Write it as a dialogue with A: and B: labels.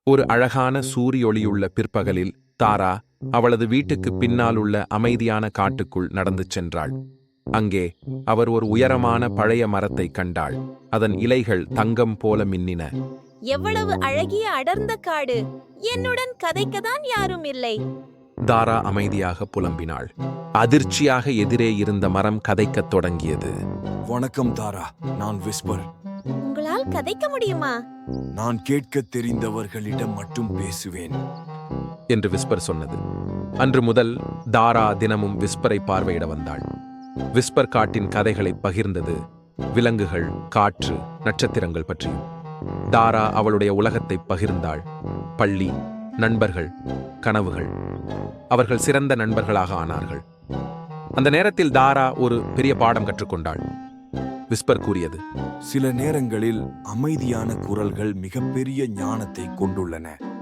A: ஒரு அழகான சூரியொளியுள்ள பிற்பகலில் தாரா அவளது வீட்டுக்கு பின்னால் உள்ள அமைதியான காட்டுக்குள் நடந்து சென்றாள். அங்கே அவர் ஒரு உயரமான பழைய மரத்தை கண்டாள். அதன் இலைகள் தங்கம் போல மின்னின.
B: எவ்வளவு அழகிய அடர்ந்த காடு! என்னுடன் கதைக்கதான் யாரும் இல்லை.
A: தாரா அமைதியாக புலம்பினாள். அதிர்ச்சியாக எதிரே இருந்த மரம் கதைக்கத் தொடங்கியது.
C: வணக்கம் தாரா, நான் விஸ்பர்.
B: உங்களால் கதைக்க முடியுமா?
C: நான் கேட்கத் தெரிந்தவர்களிடம் மட்டும் பேசுவேன்
A: என்று விஸ்பர் சொன்னது. அன்று முதல் தாரா தினமும் விஸ்பரை பார்வையிட வந்தாள். விஸ்பர் காட்டின் கதைகளை பகிர்ந்தது, விலங்குகள், காற்று, நட்சத்திரங்கள் பற்றியும். தாரா அவளுடைய உலகத்தை பகிர்ந்தாள். பள்ளி, நண்பர்கள், கனவுகள். அவர்கள் சிறந்த நண்பர்களாக ஆனார்கள். அந்த நேரத்தில் தாரா ஒரு பெரிய பாடம் கற்றுக்கொண்டாள். விஸ்பர் கூறியது,
C: சில நேரங்களில் அமைதியான குரல்கள் மிகப்பெரிய ஞானத்தை கொண்டுள்ளன.